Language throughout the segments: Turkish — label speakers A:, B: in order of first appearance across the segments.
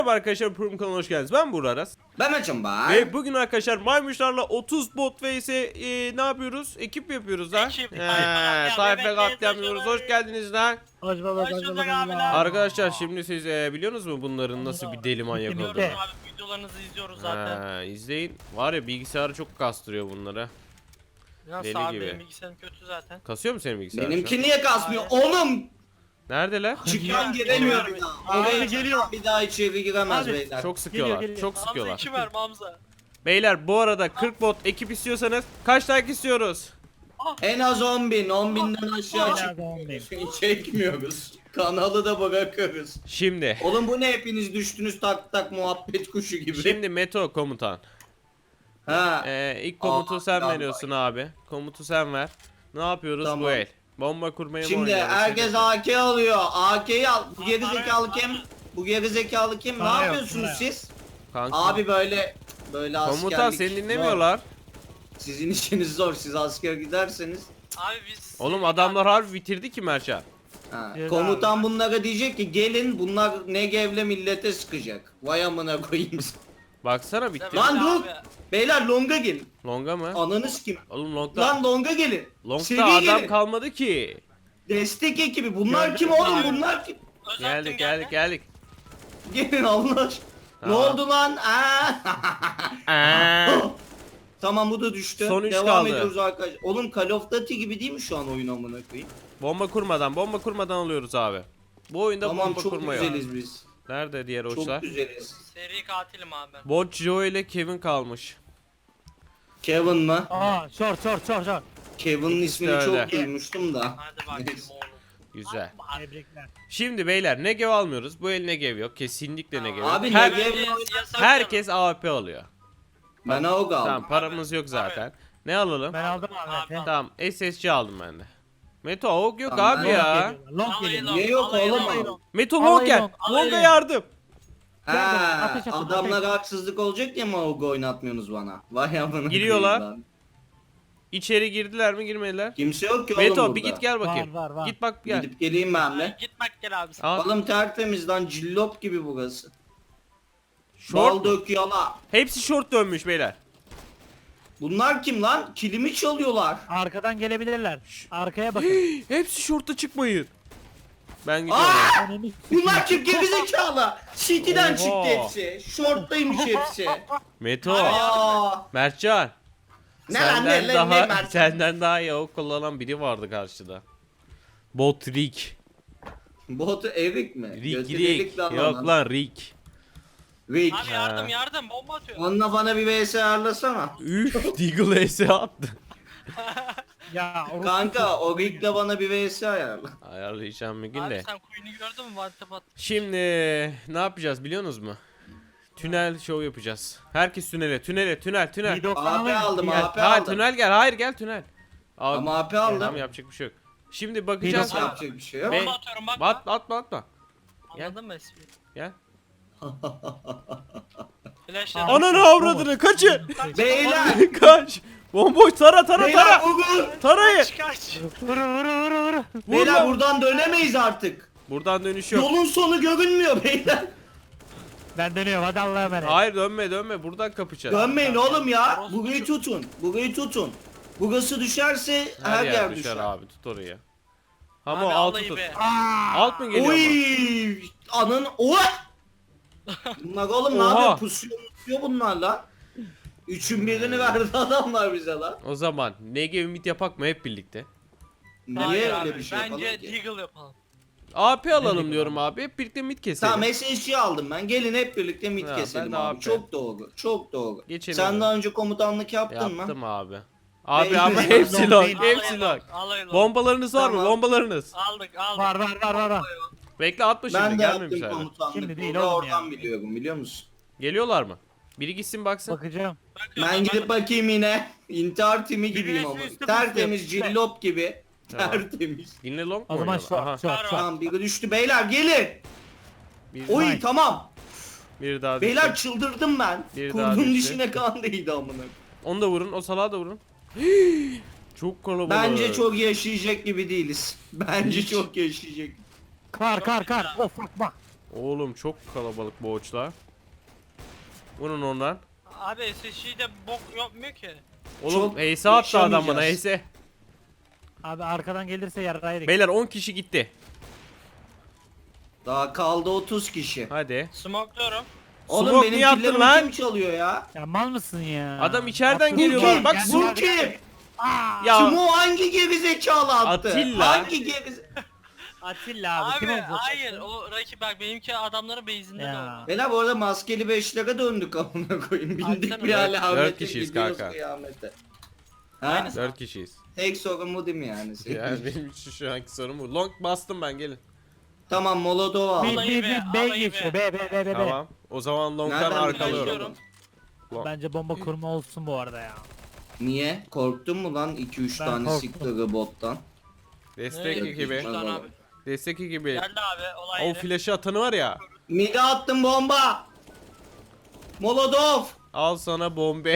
A: Merhaba arkadaşlar, Prum kanalına hoş geldiniz. Ben Burak Aras.
B: Ben açım bak.
A: Ve bugün arkadaşlar maymuşlarla 30 bot vs ne yapıyoruz? Ekip yapıyoruz ha.
C: Ekip.
A: Tayfa katliamıyoruz. Hoş geldiniz lan.
D: Hoş bulduk, hoş
C: bulduk
D: bulduk
C: abiler.
A: Arkadaşlar şimdi siz biliyorsunuz mu bunların nasıl bir deli manyak
D: Bitti.
A: olduğunu?
C: Abi videolarınızı izliyoruz zaten.
A: İzleyin. Var ya, bilgisayarı çok kastırıyor bunları.
C: Nasıl
A: deli
C: abi
A: gibi.
C: benim bilgisayarım kötü zaten.
A: Kasıyor mu senin bilgisayar? şu
B: Benimki
A: an?
B: niye kasmıyor? Oğlum
A: Neredeler?
B: çıkan giremiyor bir daha.
D: Abi
B: Oraya
D: geliyor.
B: çıkan bir daha içeri giremez
D: Abi,
B: beyler.
A: Çok sıkıyorlar.
D: geliyor.
A: Çok
C: Hamza
A: sıkıyorlar.
C: 2 ver Hamza.
A: Beyler bu arada 40 bot ekip istiyorsanız kaç like istiyoruz?
B: En az 10.000. 10.000'den aşağı
D: Hala da 10.000.
B: çekmiyoruz. Kanalı da bırakırız.
A: Şimdi.
B: Oğlum bu ne, hepiniz düştünüz tak tak muhabbet kuşu gibi.
A: Şimdi Meto komutan.
B: Ha.
A: İlk komutu
B: Aa,
A: sen
B: tamam.
A: veriyorsun abi. Komutu sen ver. Ne yapıyoruz
B: Tamam.
A: bu el? Bomba kurmaya mı
B: Şimdi
A: oynuyoruz?
B: herkes AK alıyor. AK'yi al. Bu geri zekalı kim? Bu geri zekalı kim? Ne
D: Para yok,
B: yapıyorsunuz
D: para.
B: siz?
A: Kanka.
B: Abi böyle askerlik.
A: Komutan seni dinlemiyorlar.
B: Sizin işiniz zor. Siz asker giderseniz.
C: Abi biz...
A: Oğlum adamlar harbi bitirdi ki Merça.
B: Ha.
D: Ceza
B: Komutan bunlara diyecek ki gelin, bunlar Negev'le millete sıkacak. Vay amına koyayım.
A: Baksana bitti.
B: Lan
C: Abi.
B: dur. Beyler longa gelin.
A: Longa mı?
B: Ananız kim?
A: Oğlum longda.
B: Lan longa gelin.
A: Longda
B: Seri
A: adam
B: gelin.
A: kalmadı ki.
B: Destek ekibi. Bunlar
D: Gördüm
B: kim oğlum?
D: abi.
B: Bunlar kim?
A: Geldik geldik geldik.
B: Gelin Allah aşkına. Ne
A: Tamam.
B: oldu lan? Tamam, bu da düştü.
A: Son üç
B: Devam
A: kaldı.
B: ediyoruz arkadaşlar. Oğlum Call of Duty gibi değil mi şu an oyun amına koyayım?
A: Bomba kurmadan alıyoruz abi. Bu oyunda
B: Tamam,
A: bomba
B: çok
A: kurma yok.
B: güzeliz biz.
A: Nerede diğer
B: Çok
A: hoçlar?
B: güzeliz.
C: Seri katilim abi ben.
A: Bot Joe ile Kevin kalmış.
B: Kevin mı?
D: Aa, short.
B: Kevin'in
A: İkisi de
B: ismini
A: öyle.
B: çok duymuştum da.
C: Hadi bakayım oğlum.
A: Güzel.
D: Tebrikler.
A: Şimdi beyler Negev almıyoruz. Bu el Negev yok. Kesinlikle Negev yok.
B: Abi
A: Her-
B: Negev-
A: herkes AWP alıyor.
B: Ben AUG aldım.
A: Tamam, paramız yok zaten. Ne alalım?
D: Ben aldım abi.
C: Abi,
A: Tamam, SSC aldım ben de. Meto AWP yok
B: Tamam,
A: abi
B: ben
A: ya.
D: Long
C: Alayım
D: geliyor.
C: long,
B: Niye yok
C: alayım
B: oğlum?
C: long.
A: Meto
D: Alayım
A: long gel.
D: long,
A: Long'a
D: alayım.
A: yardım.
B: Ha,
D: Ateş atın,
B: adamlara
D: ateş.
B: haksızlık olacak diye mi AUG oynatmıyorsunuz bana? Vay amına
A: Giriyorlar.
B: koyayım lan.
A: İçeri girdiler mi girmediler?
B: Kimse yok ki oğlum
A: Meto
B: burada.
A: bir git gel bakayım.
D: Var.
A: Git bak gel.
B: Gidip geleyim ben de.
C: Git bak gel abi.
A: Al.
B: Oğlum tertemiz lan, cillop gibi burası. Bal
A: Short.
B: dök yala.
A: Hepsi short dönmüş beyler.
B: Bunlar kim lan? Kilimi çalıyorlar.
D: Arkadan gelebilirler. Arkaya bakın.
A: Hepsi short'a çıkmayın. Ben gidiyorum.
B: Aa!
D: Önünü
B: Bunlar kim? Gerizekalı. City'den
A: Oha.
B: çıktı hepsi. Short'taymış hepsi.
A: Meto.
B: Aa.
A: Mertcan.
B: Ne lan,
A: Senden
B: ne lan, ne
A: daha
B: Mertcan?
A: senden daha iyi AWP kullanan biri vardı karşıda. Bot Rick.
B: Botu Erik mi?
A: Rick
B: Götü
A: Rick.
B: delik lan
A: Yok
B: onun.
A: lan Rick.
B: Rick.
C: Abi yardım bomba atıyor.
B: Onunla bana bir vs ayarlasana.
A: Üf, Deagle S attı.
D: Ya orası-
B: Kanka o Rick'le bana bir vs ayarla.
A: Ayarlayacağım bir gün
C: Abi
A: de.
C: sen Queen'i gördün mü? Vantep at.
A: Şimdi ne yapacağız biliyorsunuz mu? Tünel show yapacağız. Herkes tünel.
D: Bir doksan
B: AP
D: alayım.
B: aldım,
D: Gel.
B: AP
A: Hayır
B: aldım.
A: tünel gel. Hayır gel tünel. Abi,
B: Ama AP aldım.
A: tamam, yapacak bir şey yok. Şimdi bakacağız.
D: doksan.
B: Yapacak bir şey yok.
A: Be-
C: Bomba atıyorum bak.
A: Atma. Gel.
C: Anladın mı espriyi?
A: Gel.
C: Flash'la.
A: Ananı avradını kaçın.
B: Beyler.
A: Kaç. Bomboş tara.
B: Beyler vurun.
A: Tarayın.
C: Kaç.
D: Vur.
B: Beyler
A: lan.
B: buradan dönemeyiz artık.
A: Buradan dönüş yok.
B: Yolun sonu görünmüyor beyler.
D: Ben dönüyorum, hadi Allah'a emanet.
A: Hayır dönme. Buradan kapacağız.
B: Dönmeyin oğlum ya. Burayı tutun. Burası düşerse her yer düşer.
A: abi, tut orayı. Ama
C: Abi
A: altı
C: alayı
A: tut.
C: be.
A: Alt mı geliyor?
B: Oy! Anın o. Bunlar oğlum ne
A: Oha.
B: yapıyor? Pusuyor bunlar lan. Üçün birini verdi adamlar bize lan.
A: O zaman Negev mid yapak mı hep birlikte?
B: Niye
C: Hayır
B: öyle
C: abi,
B: bir şey
C: Bence
B: yapalım ki?
C: Deagle yapalım.
A: AP alalım diyorum abi. Hep birlikte mid keselim.
B: Tamam, SSG aldım ben. Gelin hep birlikte mid
A: Ha,
B: keselim
A: ben de
B: abi.
A: AP.
B: Çok doğru. Çok doğru.
A: Geçelim
B: Sen
A: abi.
B: daha önce komutanlık yaptın mı?
A: Yaptım abi. Abi
B: Benim
A: ama
B: de
A: hepsi
D: long
A: long.
D: değil.
A: Hepsi long.
C: Alayım.
A: Bombalarınız var mı?
B: Tamam.
A: Bombalarınız.
C: Aldık.
D: Var.
A: Bekle atma şimdi.
B: Ben de
A: Gelmemiş
B: yaptım
A: hala.
B: komutanlık.
D: Şimdi değil
B: Burada
D: oğlum ya.
B: oradan biliyorum, biliyor musun?
A: Geliyorlar mı? Biri gitsin baksın.
D: Bakacağım.
B: Ben gidip bakayım yine. İntihar timi gibiyim
D: Birisi
B: ama.
D: üstü
B: Tertemiz
D: pusuyor.
B: cillop gibi.
A: Tamam.
B: Tertemiz.
A: Dinle long mu
D: O zaman
A: oynuyorlar? Aha.
D: short.
B: Tamam, biri düştü beyler, gelin.
A: Bir,
B: Oy
D: Nice.
B: tamam.
A: bir daha
B: Beyler
A: düştü.
B: çıldırdım ben.
A: Bir daha
B: Kurdun
A: düştü.
B: dişine kan değdi amına.
A: Onu da vurun. O salağı da vurun. Çok kalabalık.
B: Bence çok yaşayacak gibi değiliz. Bence çok yaşayacak.
D: Kar. Of bak.
A: Oğlum çok kalabalık boğaçlar. Bunun ondan.
C: Abi SSG'de bok yapmıyor ki.
A: Oğlum
B: Çok
A: Ace attı adam bana
B: yaşamayacağız.
A: Ace.
D: Abi arkadan gelirse yarraydık.
A: Beyler 10 kişi gitti.
B: Daha kaldı 30 kişi.
A: Hadi.
C: Smoke'luyorum.
B: Oğlum
A: Smoke
B: benim
A: niye attın
B: killerimi
A: lan?
B: kim çalıyor ya?
D: Ya mal mısın ya?
A: Adam içeriden
D: Attın.
A: geliyorlar.
B: kim?
A: Bak
D: Gel,
B: Bu
D: gel, gel.
B: kim?
A: Ya
B: Sumo hangi gerizekalı attı?
A: Atilla.
B: Hangi gerizekalı?
D: Atilla abi, kim
C: Abi
D: olacak?
C: hayır o rakip bak benimki adamların base'inde
D: Ya.
C: de o.
B: Bela bu arada maskeli 5'lere döndük amına koyayım. Bindik
C: Atsana.
B: bir alamete.
A: Dört kişiyiz
B: gidiyoruz
A: kanka.
B: kıyamete. Ha?
C: Aynısı.
A: 4 kişiyiz.
B: Tek sorun bu değil mi yani?
A: Yani benim için şu anki sorun bu. Long bastım ben gelin.
B: Tamam Molotov al.
D: Bir
C: Alayı
D: bir
C: be,
D: B
C: alayı
D: geçiyor.
C: be.
D: B.
A: Tamam. O zaman long'dan
B: Nereden
A: arkalıyorum.
B: biliyorsun?
C: Başlıyorum.
D: Bence bomba kurma olsun bu arada ya.
B: Niye? Korktun mu lan 2-3
D: Ben
B: tane
D: korktum.
B: sikleri bottan?
A: Destek
C: Ne?
A: ekibi.
C: Üç tane abi.
A: Destek ekibi.
C: Geldi abi olay
A: O
C: yeri.
A: flash'ı atanı var ya.
B: Mide attım bomba. Molotov.
A: Al sana bombe.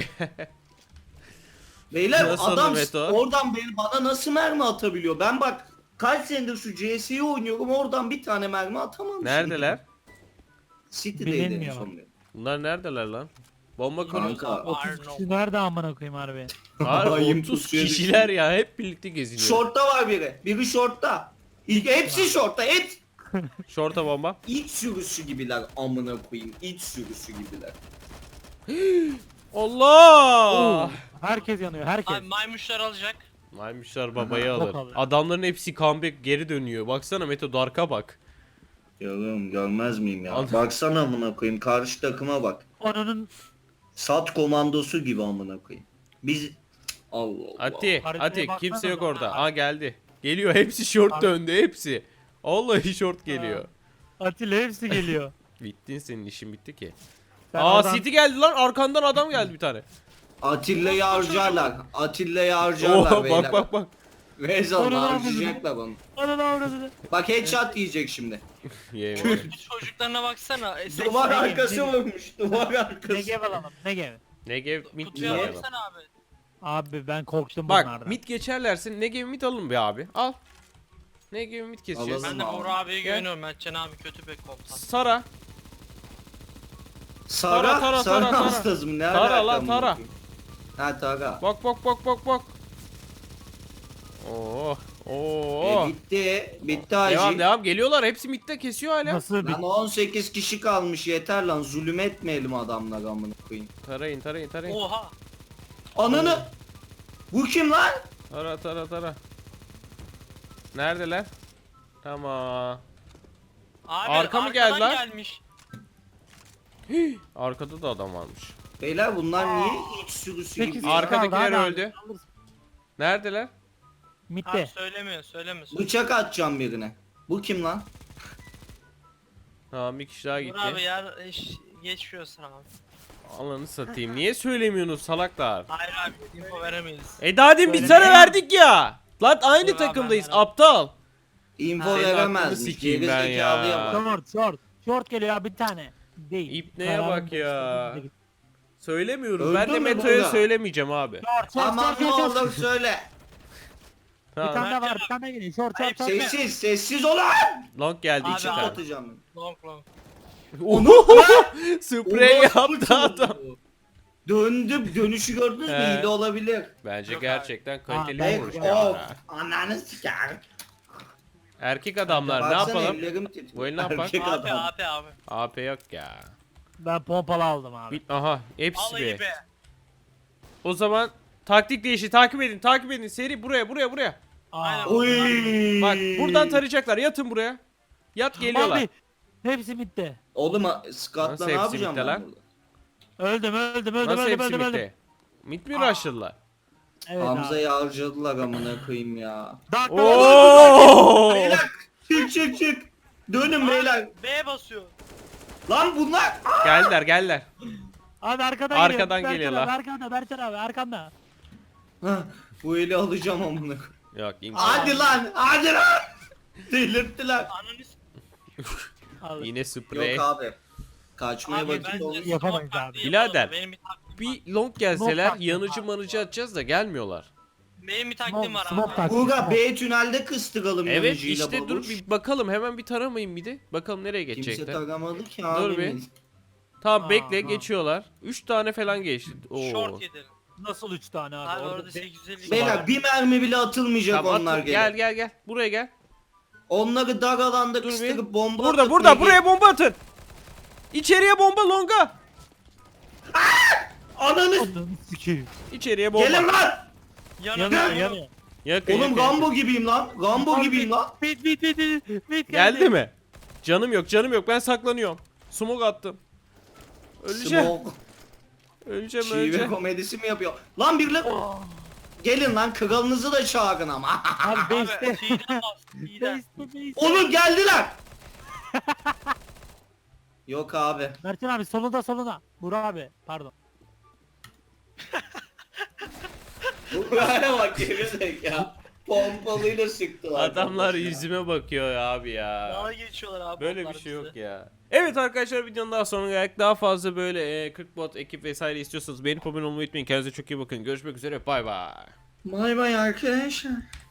B: Beyler
A: Nasıl
B: adam
A: Meto?
B: oradan bana nasıl mermi atabiliyor? Ben bak kaç senedir şu CS'yi oynuyorum oradan bir tane mermi atamamışım.
A: Neredeler?
B: City'deydi en
D: Bilinmiyor.
B: son.
A: Bunlar neredeler lan? Bomba kuruyor.
B: Kanka.
D: 30 kişi nerede amına koyayım harbi?
A: Var
B: Ayım
A: 30
B: pusuya
A: kişiler ya hep birlikte geziniyor.
B: Şortta var biri. Biri şortta. Hepsi şortta.
A: Şorta bomba.
B: İç sürüsü gibiler amına koyayım. İç sürüsü gibiler.
A: Allah!
D: Herkes yanıyor, herkes.
C: Abi maymunlar alacak.
A: Maymuşlar babayı
D: Aha,
A: alır.
D: bok alır.
A: Adamların hepsi comeback geri dönüyor. Baksana Meto Dark'a bak.
B: Görüyorum görmez miyim ya?
A: Anladım.
B: Baksana amına koyayım karşı takıma bak.
D: Onun
B: Sat komandosu gibi amına koyayım. Biz Allah Allah.
A: Ati,
D: Haritaya
A: Ati
D: baksana
A: kimse yok
D: da.
A: orada. Aa geldi. Geliyor hepsi short
D: Har-
A: döndü hepsi. Vallahi short geliyor.
D: Atilla hepsi geliyor.
A: Bittin senin işin bitti ki.
D: Sen
A: Aa
D: oradan-
A: City geldi lan arkandan adam geldi bir tane.
B: Atilla'yı harcarlar. Atilla'yı harcarlar
A: Oo
B: beyler.
A: bak bak.
B: Rezal
D: Onu ne
B: harcayacaklar onu.
D: Ananı avradını.
B: Bak headshot yiyecek şimdi.
A: Yemin.
C: Çocuklarına baksana.
B: Duvar
D: ne-
B: arkası
D: ne-
B: vurmuş. Duvar arkası.
D: Negev alalım, Negev.
A: Negev mid
C: Kutuya
A: alalım.
C: baksana abi.
D: Abi ben korktum
A: Bak
D: bunlardan.
A: mid geçerlerse Negev mid alın be abi. Al. Negev mid keseceğiz.
B: Alalım.
C: Ben de
B: abi.
C: Bora abiye
A: Gel.
C: güveniyorum. Mertcan abi kötü bir komutan.
A: Sara.
B: Sara,
A: Tara,
B: Sara
A: Tara.
B: hastası mı? Ne
A: Tara
B: alaka
A: lan,
B: amına
A: Tara.
B: koyayım? Ha Tara.
A: Bak bak bak bak bak. Oo. Oo.
B: Bitti. Bitti hacı.
A: Devam devam geliyorlar. Hepsi midde kesiyor hala.
D: Nasıl bir...
B: Lan 18 kişi kalmış yeter lan zulüm etmeyelim adamlar amına koyayım.
A: Tarayın tarayın tarayın.
C: Oha.
B: Ananı. Bu kim lan?
A: Tara tara tara. Neredeler? Tamam.
C: Abi
A: Arka mı geldi
C: arkadan
A: lan?
C: gelmiş.
A: Arkada da adam varmış.
B: Beyler bunlar niye iç sürüsü
D: Sekiz
B: gibi?
D: kişi
B: ya?
A: Arkadakiler
D: kaldı, hadi
A: öldü.
D: abi, alırsın.
A: Neredeler?
C: Abi
D: Mitte.
C: söylemiyor.
B: Bıçak atacağım birine. Bu kim lan?
A: Tamam bir kişi daha
C: Dur abi
A: gitti.
C: yer geçiyorsun abi.
A: Alanı satayım. Niye söylemiyorsunuz salaklar?
C: Hayır abi info veremeyiz.
A: Daha demin biz sana verdik ya. Lan aynı
C: Dur abi,
A: takımdayız
C: ben
A: aptal.
B: Info
A: Senin aklını
B: veremezmiş.
A: sikeyim
B: Geri
A: ben
B: zekalıya
A: ya.
B: bak.
D: Short geliyor abi bir tane. Değil.
A: İpneye
D: Kararın
A: bak ya.
D: başında.
A: Söylemiyoruz.
B: Öldün
A: Ben de
B: mü
A: Meto'ya
B: burada?
A: söylemeyeceğim abi.
D: Short,
B: Aman ne olur söyle.
D: Bir tane
A: Tamam.
D: daha var, bir tane daha geliyor. Short.
B: Sessiz, sessiz olun.
A: Long geldi
C: Abi,
A: iki
B: Bıçak
A: tane.
B: atacağım.
C: Long.
A: Sprey
B: Orospu
A: yaptı adam.
B: çocuğu. Döndüm, dönüşü gördünüz mü?
A: He.
B: İyi de olabilir.
A: Bence
C: Yok
A: gerçekten kaliteli
D: ben-
A: vurmuş.
B: Bek
A: ya.
B: of. Ananı siker.
A: Erkek adamlar ne
B: Baksana
A: yapalım?
B: ellerim titriyor.
A: Bu el ne yapak?
B: Erkek
C: Abi
B: adam.
C: abi.
A: AP yok ya.
D: Ben pompalı aldım abi.
A: Aha hepsi
C: Alayı
A: be.
C: be.
A: O zaman taktik değişti. Takip edin. Seri buraya.
C: Aynen.
B: Oy.
A: Bak buradan tarayacaklar. Yatın buraya. Yat geliyorlar.
D: Abi hepsi mitte.
B: Oğlum Scott'la
A: Nasıl
B: ne
A: hepsi
B: yapacağım
A: bitti
B: ben
A: lan?
B: burada?
D: Öldüm.
A: Nasıl hepsi
D: öldüm.
A: bitti? Mid mi rushladılar?
D: Evet abi.
B: Hamza'yı harcadılar amına koyayım ya.
D: Dakika.
A: Oo!
B: Beyler çık. Dönün beyler.
C: B basıyor.
B: Lan bunlar.
A: Geldiler.
D: Abi arkadan
A: Arkadan
D: geliyor.
A: geliyorlar.
D: Berçan abi arkanda.
B: Hah, bu eli alacağım amına koyayım.
A: Yok imkan.
B: Hadi lan. Delirttiler.
C: Ananı s-
D: Al.
A: Yine sprey.
B: Yok abi. Kaçmaya
C: Abi
B: vakit
C: bence
B: oldu.
D: Yapamayız
C: smoke
D: abi.
C: taktiği
A: Birader,
C: yapalım. Benim bir taktiğim var.
A: Bir long gelseler
D: Long
A: yanıcı manıcı atacağız da gelmiyorlar.
C: Benim bir taktiğim var
D: Smoke
C: abi.
D: taktiği.
B: Buğra B tünelde kıstıralım
A: Evet
B: yanıcıyla
A: işte dur
B: babuş.
A: bir bakalım hemen bir taramayın bir de. Bakalım nereye
B: Kimse
A: geçecekler.
B: taramadı ki
A: Dur
B: abi.
A: bir. Tamam bekle
D: Aa.
A: geçiyorlar. 3 tane falan geçti. Oo.
C: Short yedim.
D: Nasıl 3 tane abi?
C: Abi
D: Orada
C: orada
D: be-
C: 850
B: Beyler bir mermi bile atılmayacak
A: Tamam,
B: onlar
A: atın.
B: gel.
A: Gel. Buraya gel.
B: Onları dar alanda
A: Dur bir.
B: kıstırıp bomba
A: Burada
B: atıp
A: burada
B: bir-
A: buraya bomba atın. İçeriye bomba longa.
B: Ananı
D: Ananı sikeyim.
A: İçeriye bomba.
B: gelin lan.
D: Yanıyor
C: Yanıyor.
D: yanıyor.
A: Yakın,
B: Oğlum
A: yakın,
B: Rambo
A: yakın.
B: gibiyim lan. Rambo gibiyim lan.
D: Bit
A: Geldi mi? Canım yok ben saklanıyorum. Smoke attım. Öleceğim.
B: Smoke.
A: Öleceğim.
B: Şive komedisi mi yapıyor? Lan birileri... Gelin lan kralınızı da çağırın ama.
D: Abi
C: Abi
D: base'te.
C: T'den bas. T'den.
D: Base'te.
B: Oğlum geldiler. Yok abi.
D: Mertcan abi soluna. Burak abi pardon.
B: Buraya bak gerizek ya. Pompalıyla sıktılar.
A: Adamlar yüzüme bakıyor ya abi ya.
C: Daha geçiyorlar abi.
A: Böyle
C: onlar
A: bir şey yok
C: bizi.
A: ya. Evet arkadaşlar videonun daha sonra geldik. Daha fazla böyle 40 bot ekip vesaire istiyorsanız beğenip abone olmayı unutmayın. Kendinize çok iyi bakın. Görüşmek üzere. Bay bay.
B: Bay bay arkadaşlar.